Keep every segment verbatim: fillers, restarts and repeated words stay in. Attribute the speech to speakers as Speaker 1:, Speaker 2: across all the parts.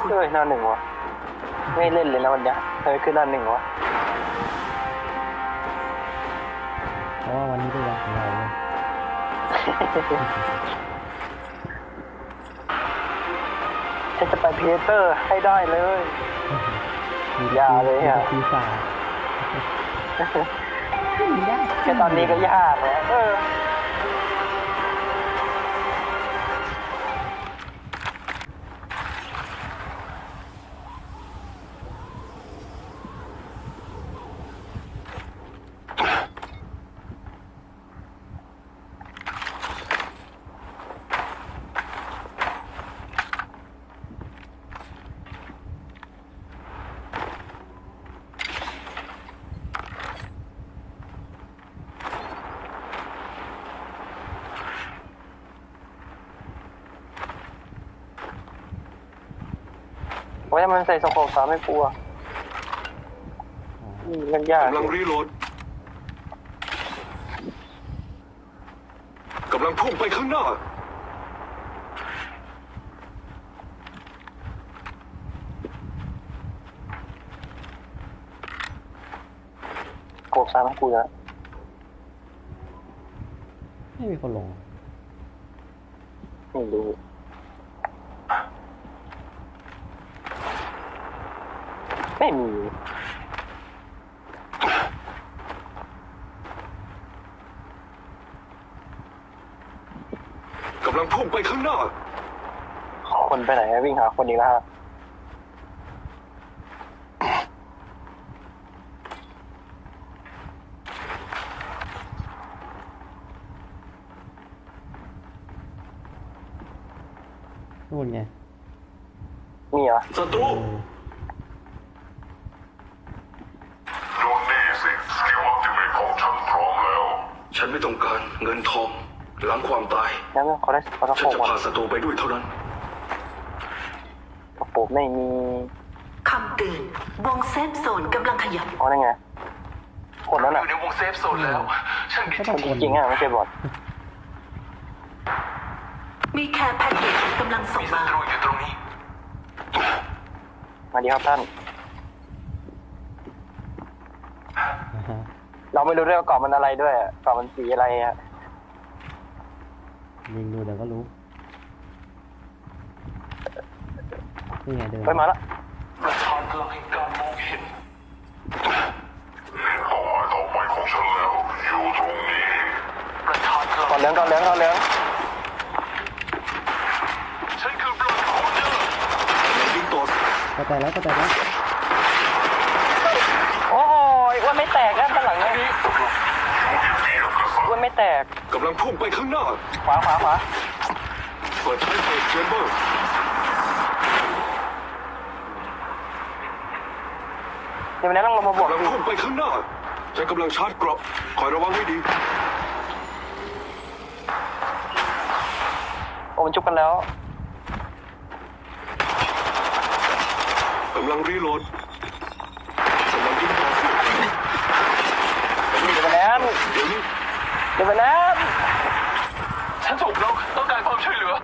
Speaker 1: เฮ้ยหน้าหนึ่งวะไม่เล่นเลยนะวันนี้เฮ้ยขึ้นหน้าหนึ่งวะ
Speaker 2: เพราะว่าวันนี้เป็นวันของเราเลย
Speaker 1: ฉันจะไปเพเตอร์ให้ได้เลยอย่าเลยอ่ะ
Speaker 2: ปีศาจ
Speaker 1: แค่ตอนนี้ก็ยากแล้วเออว่ามันใส่สโคปสามไม่กลัวมันยาก
Speaker 3: กำลังรีโหลดกำลังพุ่งไปข้างหน้า
Speaker 1: โคปสามไม่กลัว
Speaker 2: ไม่มีคนลง
Speaker 1: ไม่รู้ไม่มี
Speaker 3: กำลังพุ่งไปข้างหน้า
Speaker 1: คนไปไหนวิ่งหาคนอีกแล้วฮะ
Speaker 2: นู่นไง
Speaker 1: มีเหรอ
Speaker 3: ศัตรู
Speaker 4: ดูนี่สิสกิลอัลติเมทของฉันพร้อมแล้ว
Speaker 3: ฉันไม่ต้องการเงินทองหลังความตาย
Speaker 1: งั้นเขาได้เขาต้อง
Speaker 3: ฉันจะพาศัตรูไปด้วยเท่านั้น
Speaker 1: กระปุกไม่มี
Speaker 5: คำเตือนวงเซฟโซนกำลังขยับ
Speaker 1: อ๋อนั่นไงคนนั้น
Speaker 3: อ
Speaker 1: อ่ะ
Speaker 3: ยู่ในวงเซฟโซนแล้วฉันดี
Speaker 1: คนจริงๆอ่ะไม่ใช่บอท
Speaker 5: มีแคร์แพ็กเกจกำลังส่งมา
Speaker 3: ศัตรูอยู่ตรงนี้
Speaker 1: มาดีครับท่านเราไม่รู้ด้วยว่ากรอบมันอะไรด้วยกรอบมันสีอะไรอ่ะ
Speaker 2: ยิงดูเดี๋ยวก็รู้นี่ไงเดิน
Speaker 1: ไปมาแล้ว
Speaker 3: ประธานพลังแห่งการมองเห็น
Speaker 4: เป้าหมายต่อไปของฉันแล้วอยู่ตรงนี้
Speaker 3: ประธานพลัง
Speaker 1: ก่อนเหลืองก่อนเหลืองก่อนเหลือง
Speaker 3: ฉันคือบลัดโคเนอร์ยิงตัว
Speaker 2: ก็แต่แล้วก็แต่แล้ว
Speaker 1: โอ้ยอ้วนไม่แตกนะด้านหลังนี้อ้วนไม่แตก
Speaker 3: กำลังพุ่งไปข้างหน้า
Speaker 1: ขวาขวาขวา
Speaker 3: เปิดใช้เฟสเชมเบอร์
Speaker 1: เดี๋ยวนี้ต้องลงมาบวก
Speaker 3: กำลังพุ่งไปข้างหน้าฉันกำลังชาร์จเกราะคอยระวังให้ดี
Speaker 1: โอ้มันจุบกันแล้ว
Speaker 3: กำลังรีโหลดกำลังยิงต่อสู้
Speaker 1: เดี๋ยวไปแล้ว
Speaker 3: เดี๋ยวนี้
Speaker 1: เดี๋ยวไปแล้ว
Speaker 3: ฉันถูกล็อกต้องการความช่วยเหลือ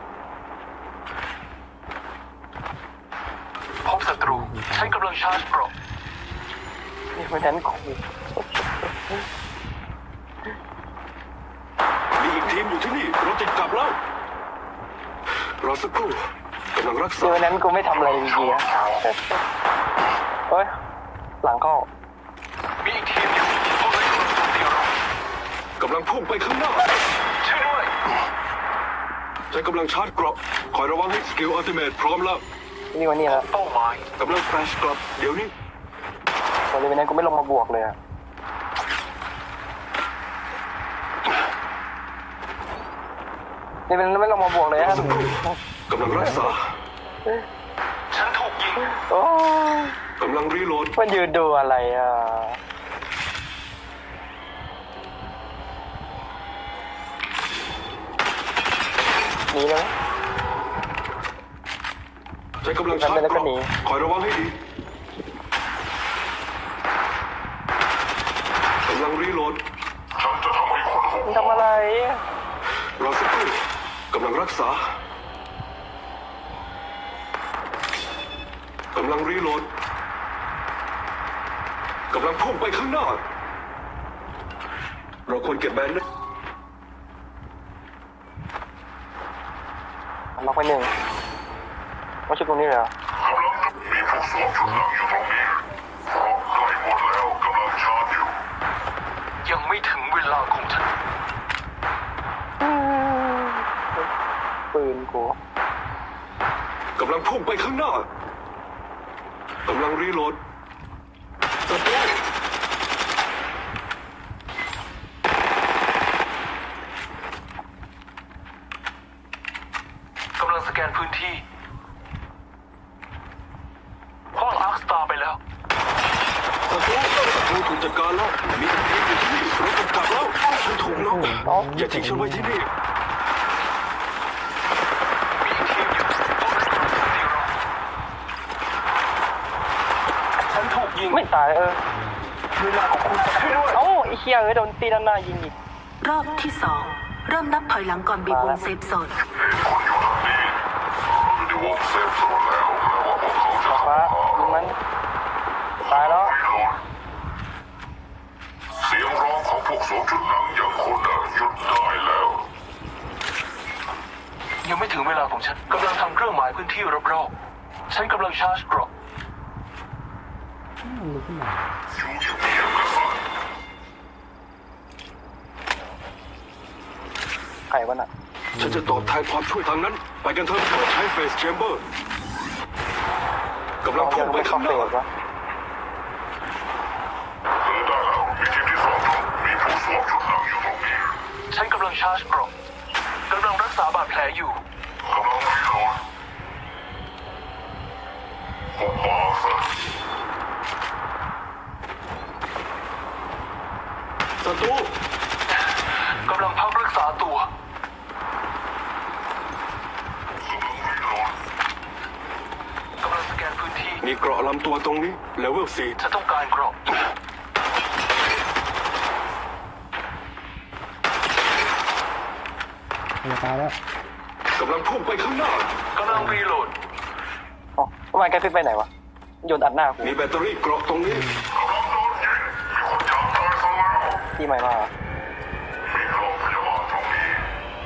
Speaker 3: พบศัตรูฉันกำลังชาร์จเกราะ
Speaker 1: นี่มันนั้นขู่
Speaker 3: มีอีกทีมอยู่ที่นี่เราติดกลับแล้วรอสักครู่กำลังรักษา
Speaker 1: เดี๋ยวนั้นกูไม่ทำอะไรจริงๆอะเฮ้ยหลังเข้า
Speaker 3: มีอีกทีมอยู่พวกนั้นกำลังโจมตีเรากำลังพุ่งไปข้างหน้าช่วยด้วยฉันกำลังชาร์จเกราะคอยระวังให้สกิลอัลติเมทพร้อมแล้ว
Speaker 1: นี่วันนี้แล้ว
Speaker 3: เป้าหมายกำลังแฟลชกลับเดี๋ยวนี้
Speaker 1: วันนี้วันนั้นกูไม่ลงมาบวกเลยอะนี่เป็นไม่ลงมาบวกเลยฮะ
Speaker 3: กำลังรักษาฉันถูกยิง
Speaker 1: โอ้
Speaker 3: กำลังรีโหลด
Speaker 1: มันยืนดูอะไรอ่ะหนีเลย
Speaker 3: ใช้กำลังชาร์จเกราะคอยระวังให้ดีกำลังรีโหลด
Speaker 4: ฉันจะทำให้คนหก
Speaker 1: ทำอะไร
Speaker 3: รอสักครู่กำลังรักษากำลังรีโหลดกำลังพุ่งไปข้างหน้า เราควรเก็บแบนนะ
Speaker 1: ล็อกไปหนึ่งว่าชุดตรงนี้เลยเหรอก
Speaker 4: ำลังมีผู้สวมชุดหนังอยู่ตรงนี้เพราะใกล้หมดแล้วกำลังชาร์จอยู่
Speaker 3: ยังไม่ถึงเวลาของฉัน
Speaker 1: ปืนกู
Speaker 3: กำลังพุ่งไปข้างหน้ากำลังรีโหลดศัตรู
Speaker 6: กำลังสแกนพื้นที่คว้างอาร์คสตาร์ไปแล้ว
Speaker 3: ศัตรูศัตรูถูกจัดการแล้ว มีแต่ทีมอยู่ที่นี่เราต้องกลับแล้วฉันถูกน็อกอย่าทิ้งฉันไว้ที่นี่
Speaker 6: มีทีมอยู่ต้องรักษาสติเราฉันถูกยิง
Speaker 1: ไม่ตายเออ
Speaker 6: เวลาของคุณจะช่วยด้วย
Speaker 1: เอ้าไอ้เหี้ยเอ้ยโดนตีด้านหน้ายิงอีก
Speaker 5: รอบที่สองเริ่มนับถอยหลังก่อนบีบวงเซฟโซน
Speaker 4: เห็นคนอยู่ทางนี้อยู่ในวงเซฟโซนแล้วแปลว่าพวกเขาจะ
Speaker 1: ฟ้ายิงมันตายแล้ว
Speaker 4: ไม่รอดเสียงร้องของพวกสวมชุดหนังอย่างคุณน่ะหยุดได้แล้ว
Speaker 6: ยังไม่ถึงเวลาของฉันกำลังทำเครื่องหมายพื้นที่รอบๆฉันกำลังชาร์จเกรอบ
Speaker 2: มันลุกขึ้นมา
Speaker 4: อยู่เงียบๆกันซะ
Speaker 1: ไข่วะน่ะ
Speaker 3: ฉันจะตอบแทนความช่วยทางนั้น ไปกันเถอะใช้เฟสแชมเบอร์กำลัง
Speaker 1: ยั
Speaker 3: พุ่
Speaker 1: ง
Speaker 3: งไป
Speaker 1: ไม่เข้า
Speaker 3: ข้างห
Speaker 1: เฟ
Speaker 3: น้า
Speaker 1: สวะ
Speaker 4: เจอได้แล้วมีทีมที่สองมีผู้สวมชุดหนังอยู่ตรงนี้
Speaker 6: ฉันกำลังชาร์จเกรอบกำลังรักษาบาดแผลอยู่
Speaker 4: กำลังรีโหลดผมมาซะ
Speaker 3: ศัตรู
Speaker 6: กำลังพักรักษาตัว กำลังสแกนพื้นที่
Speaker 3: มีเกราะลำตัวตรงนี้เลเวลสี่
Speaker 6: ฉันต้องการเกรอบ
Speaker 2: จะตายแล้ว
Speaker 3: กำลังพุ่งไปข้างหน้า
Speaker 6: กำลังรีโหลด
Speaker 1: อ๋อทำไมแกฟิกไปไหนวะโยนอัดหน้ากู
Speaker 3: มีแบตเตอรี่เกราะตรงนี้
Speaker 4: กำลังโดนยิงมีคนอยากตายซะแล้ว
Speaker 1: ที่ใหม่มาเหรอ
Speaker 4: มีโรงพยาบาลตรงนี้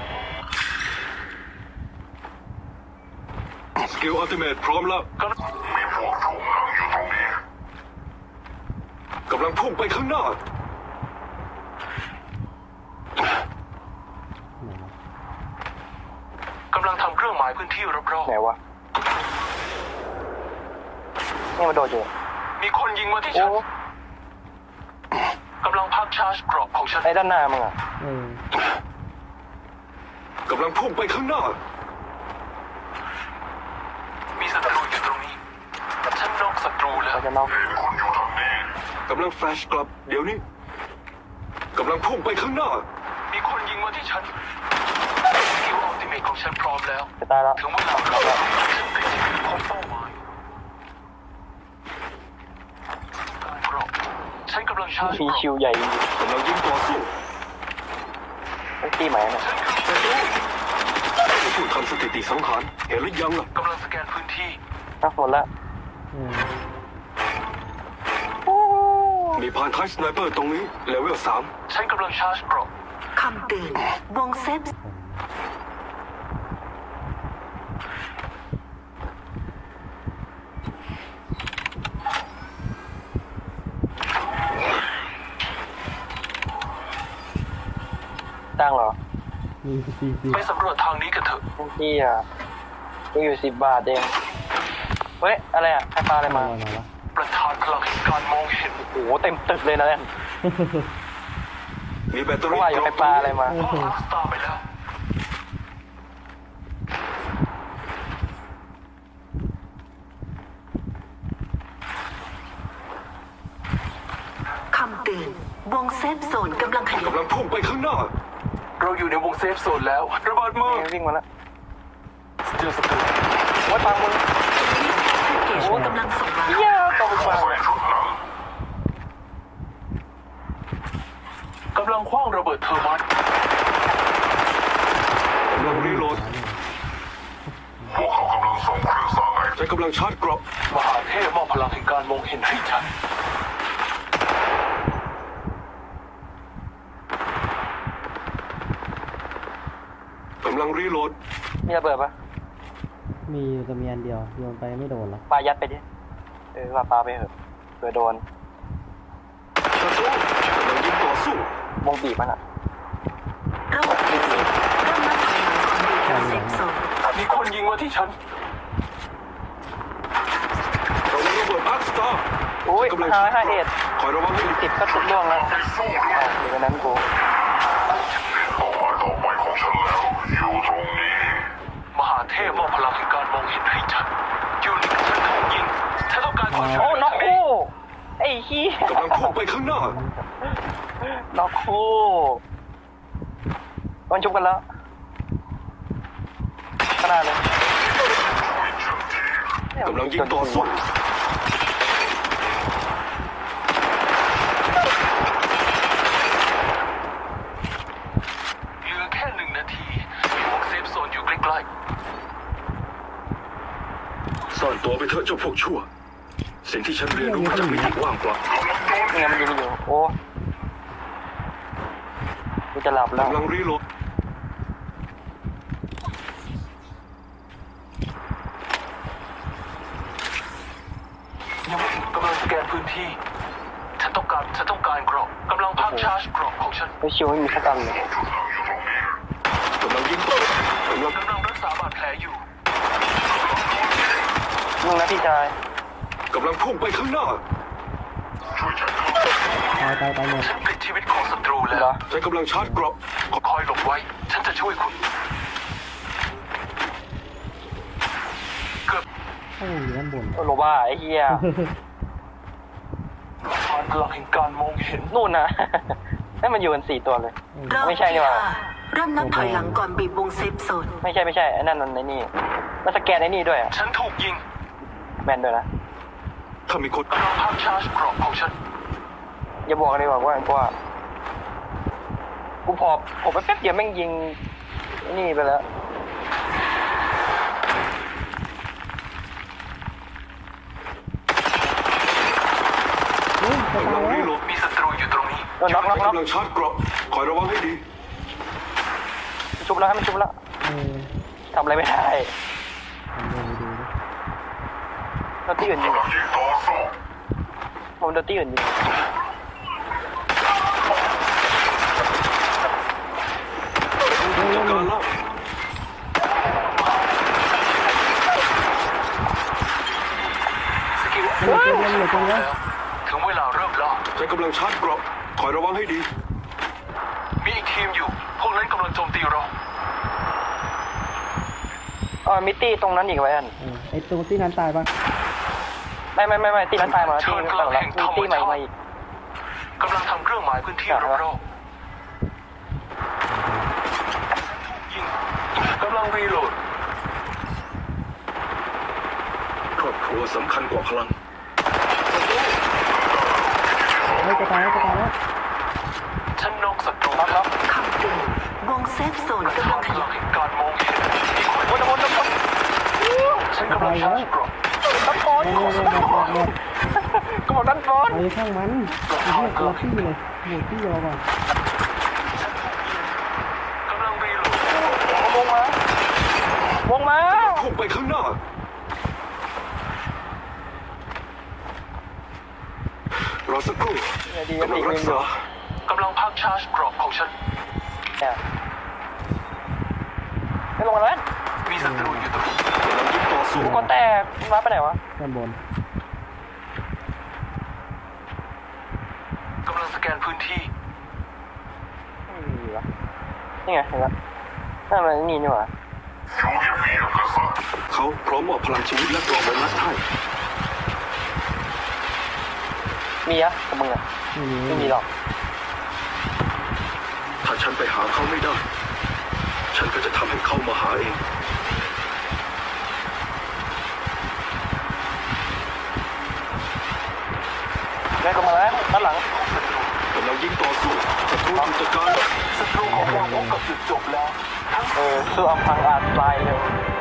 Speaker 3: สกิลอัลติเมทพร้อมแล้ว
Speaker 6: กำลัง
Speaker 4: มีพวกถูกหนังอยู่ตรงนี้
Speaker 3: กำลังพุ่งไปข้างหน้า
Speaker 6: กำลังทำเครื่องหมายพื้นที่รอบ
Speaker 1: ไหนวะนี่มันโดดอยู่
Speaker 6: ๆ มีคนยิงมาที่
Speaker 1: โอ้
Speaker 6: ฉัน กำลังพักชาร์จเกรอบของฉัน
Speaker 1: ไอ้ด้านหน้ามึงอ่ะ
Speaker 2: เออก
Speaker 3: ำลังพุ่งไปข้างหน้า
Speaker 6: มีศัตรูอยู่ตรงนี้ ฉันนอกศัตรูแล้ว
Speaker 1: เราจะนอก
Speaker 4: เห็นคนอยู่ทางนี้
Speaker 3: กำลังแฟลชกลับ เดี๋ยวนี้ กำลังพุ่งไปข้างหน้า
Speaker 6: มีคนยิงมาที่ฉันสกิลอัลติเมทของฉันพร้อมแล้ว
Speaker 1: จะตายแล้ว
Speaker 6: ถึงเวลาแล้วฉันติดชีวิตของเป้าหมายการเกรอบฉันกำลังชาร์จ
Speaker 1: มี
Speaker 6: เกรอบ
Speaker 1: คิวใหญ่จริง
Speaker 3: กำลังยิงต่อสู้
Speaker 1: ๆไอ้ที่ใหม่เนี่ย
Speaker 3: ผู้ทำสถิติสังหาร เห็นหรือยังล่ะ
Speaker 6: กำลังสแกนพื้นที่
Speaker 1: นะหมดแล้ว
Speaker 2: อืม
Speaker 3: มีพานท้ายสไนเปอร์ตรงนี้เลเวลสาม
Speaker 6: ฉันกำลังชาร์จเกรอบ
Speaker 5: คำเตือนวงเซฟ
Speaker 1: ตั้งเหรอ
Speaker 2: มีสี่สิบ
Speaker 6: ไปสำรวจทางนี้กันเถอะ
Speaker 1: ที่อ่ะกูอยู่สิบบาทเองเฮ้ยอะไรอ่ะใครปลาอะไรมา
Speaker 2: มาหน่อยวะ
Speaker 6: ประธานพลังแห่งการมองเห็น
Speaker 1: โอ้โหเต็มตึกเลยนะเนี่ย
Speaker 3: มีแบตเตอ
Speaker 1: เพราะ
Speaker 3: รี่
Speaker 1: ว่าอยู่
Speaker 3: เก
Speaker 1: ใคร
Speaker 3: ราะ
Speaker 1: ปลาอะไรมา
Speaker 6: คว้างอาร์คสตาร์ไปแล้ว
Speaker 5: คำเตือนวงเซฟโซนกำลังขยาย
Speaker 3: กำลังพุ่งไปข้างหน้า
Speaker 6: เราอยู่ในวงเซฟโซนแล้ว ระเบิดมือ
Speaker 1: นี่วิ่งมาแล้ว
Speaker 6: เจอศัตรู
Speaker 1: โอ้ยปังมึง
Speaker 5: เกจกำลังส่งมา
Speaker 1: เหี้ยต้องไปปัง
Speaker 4: ใส่ชุดหนัง
Speaker 6: กำลังคว้างระเบิดเทอร์มัน
Speaker 3: กำลังรีโหลด
Speaker 4: พวกเขากำลังส่งเครื่องสร้างไอ
Speaker 3: ฉันกำลังชาร์จเกราะ
Speaker 6: มหาเทพมอบพลังแห่งการมองเห็นให้ฉัน
Speaker 3: กำลังรีโหลด
Speaker 1: มีระเบิดปะ
Speaker 2: มีอยู่แต่มีอันเดียวโยนไปไม่โดนหรอก
Speaker 1: ปายัดไปดิ เออว่าปาไปเถอะเผื่อโดน
Speaker 3: ศัตรูกำลังยิงต่อสู้
Speaker 1: วงบีบมันอ่ะ
Speaker 5: ระบบรีเซ็ตเริ่มนับถอยหลังก่อนบีบวงเซฟโซน
Speaker 6: มีคนยิงมาที่ฉัน
Speaker 3: ระวังระเบิดอาร์คสตาร์
Speaker 1: โอ้ย
Speaker 3: กำลัง
Speaker 1: ห้า
Speaker 3: ชาร์จ
Speaker 1: ห้า
Speaker 3: เก
Speaker 1: เอ็
Speaker 3: ราะ
Speaker 1: ด
Speaker 3: คอยระวังให้ดี
Speaker 1: สิบก็สุดล่วงแล้วอ่าอยู่ในนั้นกู
Speaker 4: เป้าหมายต่อไปของฉันแล้วอยู่ตรงนี้
Speaker 6: มหาเทพมอบพลังแห่งการมองเห็นให้ฉันยูนิคฉันถูกยิงฉันต้องการความช่วย
Speaker 1: โอ้
Speaker 6: เหลื
Speaker 1: น็อก
Speaker 6: ทาง
Speaker 1: คู่ไอ้ขี้ย
Speaker 3: กำลังพุ่งไปข้างหน้า
Speaker 1: น็อกคู่มันชุบกันแล้วขนาดเลย
Speaker 3: กำลังยิงต่อสู้
Speaker 6: เหลือแค่หนึ่งนาทีมีวงเซฟโซนอยู่ใกล้
Speaker 3: ซ่อนตัวไปเถอะเจ้าพวกชั่ว สิ่งที่ฉันเรียนรู้มาจากวิธีว่างเปล่า
Speaker 1: นี่ไงมันยิงอยู่โอ้กูจะหลับแล้ว
Speaker 3: กำลังรีโหลด
Speaker 6: ๆยังไม่ถึงกำลังสแกนพื้นที่ ฉันต้องการฉันต้องการเกราะกำลังพักชาร์จเกราะของฉัน
Speaker 1: ไอ้ชิวไม่มีสักอันเลย
Speaker 3: กำลังยิงต่อกำลัง
Speaker 6: กำลังรักษาบาดแผลอยู่
Speaker 1: มึงนะพี่ชาย
Speaker 3: กำลังพุ่งไปข้างหน้า
Speaker 2: ตายตายตายหมด
Speaker 6: ฉันปลิดชีวิตของศัตรูแล้
Speaker 1: เหร
Speaker 6: ว
Speaker 1: อ
Speaker 3: ฉันกำลังชาร์จเกราะ
Speaker 6: คอยหลบไว้ ฉันจะช่วยคุณ เกือบ
Speaker 2: ถ้ามันอยู่ด้านบน
Speaker 1: โอ้โลบ้าไอ้เหี้ย
Speaker 6: ผ่านพลังแห่งการมองเห็น
Speaker 1: นู่นนะ ให้มันอยู่กันสี่ตัวเลย
Speaker 5: รอบ
Speaker 1: ไม่ใช่
Speaker 5: ที่
Speaker 1: นี่หว่า
Speaker 5: ห้าเริ่มนับถอยหลังก่อนบีบวงเซฟโซน
Speaker 1: ไม่ใช่ไม่ใช่ไอ้นั่นมันไอ้นี่มันสแกนไอ้นี่ด้วยอะ
Speaker 6: ฉันถูกยิง
Speaker 1: แมนด้วยนะ
Speaker 3: ถ้ามีคน
Speaker 6: กำลังพักชาร์จเกราะของฉัน
Speaker 1: อย่าบอกเลยว่าว่ากูว่ากูพอผมไปแป๊บเดียวแม่งยิงไอ้นี่ไปแล้ว
Speaker 2: เฮ้ยจะ
Speaker 3: กำ
Speaker 2: ตา
Speaker 3: ลั
Speaker 2: ย
Speaker 3: ง
Speaker 2: แล้
Speaker 3: รี
Speaker 2: ว
Speaker 3: โหลด
Speaker 6: มีศัตรูอยู่ตรงนี้
Speaker 1: เออน็อกน็
Speaker 3: ฉั
Speaker 1: อน กน็อก
Speaker 3: กำลังชาร์จเกราะคอยระวังให้ดี
Speaker 1: ชุบแล้วให้มันชุบแล้ว
Speaker 2: เออ
Speaker 1: ทำอะไรไม่ได้
Speaker 2: ผมลองไปดูดิ
Speaker 1: เราที่อื่นยิงเหรอ
Speaker 4: ยิงต่อสู้
Speaker 1: ผมโดนที่อื่นยิง
Speaker 3: จัดการแล้ว
Speaker 6: สกิล
Speaker 2: มันเหลือตัวเดียวมันเหลือตัวเดียว
Speaker 6: ถึงเวลาเริ่มล่า
Speaker 3: ฉันกำลังชาร์จเกราะคอยระวังให้ดี
Speaker 6: มีอีกทีมอยู่ พวกนั้นกำลังโจมตีเรา
Speaker 1: อ๋อมิตตี้ตรงนั้นอีกไว้อัน
Speaker 2: เออไอตัวที่นั้นตายปะ
Speaker 1: ไม่ไม่ไม่ไม่ตีนั้นตายหมดแล้วตีนั้นตายหมดแล้วมีตีใหม่มาอีก
Speaker 6: กำลังทำเครื่องหมายพื้นที่
Speaker 1: ครับ
Speaker 6: รอบๆยิงกำลังรีโหลด
Speaker 3: ครอบครัวสำคัญกว่าพลัง
Speaker 2: เฮ้ยจะตายแล้วจะตายแล้ว
Speaker 6: ฉันนอกศัตรู
Speaker 1: น็อกน็อก
Speaker 5: คำเตือนวงเซฟโซนกำลังข
Speaker 6: พลั
Speaker 5: ยาง ย
Speaker 6: แห่งการมองเห็นมีคน
Speaker 1: วนวนวนวน
Speaker 6: ฉันกำลังชาร์จเกราะ
Speaker 1: ด้านบน
Speaker 2: เร็วเร็วเร็วเร็วเร็ว
Speaker 1: ก็บอกด้านบน
Speaker 2: ไอ้ข้างมันไอ้เหี้ยตัวที่เลยหมดที่รอก่อน
Speaker 6: กำลังรีโหลด
Speaker 1: วงมาวงมา
Speaker 3: พุ่งไปข้างหน้า รอสักครู่
Speaker 1: เนี่ยดี
Speaker 3: กำลั
Speaker 1: ปี
Speaker 3: ง
Speaker 1: ก
Speaker 3: รั
Speaker 1: วิ่
Speaker 3: ก
Speaker 1: งอยู่
Speaker 3: ษา
Speaker 6: กำลังพักชาร์จเกราะของฉัน
Speaker 1: เนี่ยไม่ลงมาแล้ว
Speaker 6: มีศัตรูอยู่ตรงนี้
Speaker 3: กำลังยิงต่อสู้
Speaker 1: กูก็แตกมันมาไปไหนวะ
Speaker 2: ด้านบน
Speaker 6: กำลังสแกนพื้นที่
Speaker 1: ไม่มีวะนี่ไงเห็นละนั่นมันนี่นี่หว่า
Speaker 4: อยู่เงียบๆกษัตริย์
Speaker 3: เขาพร้อมมอบพลังชีวิตและกรอบไวรัสให้
Speaker 1: มีอะกับมึงอะ
Speaker 2: ไม่มี
Speaker 1: ไม่มีหรอก
Speaker 3: ถ้าฉันไปหาเขาไม่ได้ ฉันก็จะทำให้เขามาหาเอง
Speaker 1: แม่ก็มาแล้วด้านหลัง
Speaker 3: กำลังยิงต่อสู้ศัตรูถูกจัดการแล้ว
Speaker 6: ศัตรูของเราพบกับจุดจบแล้ว
Speaker 1: เออคืออัมพังอาจตายเร็ว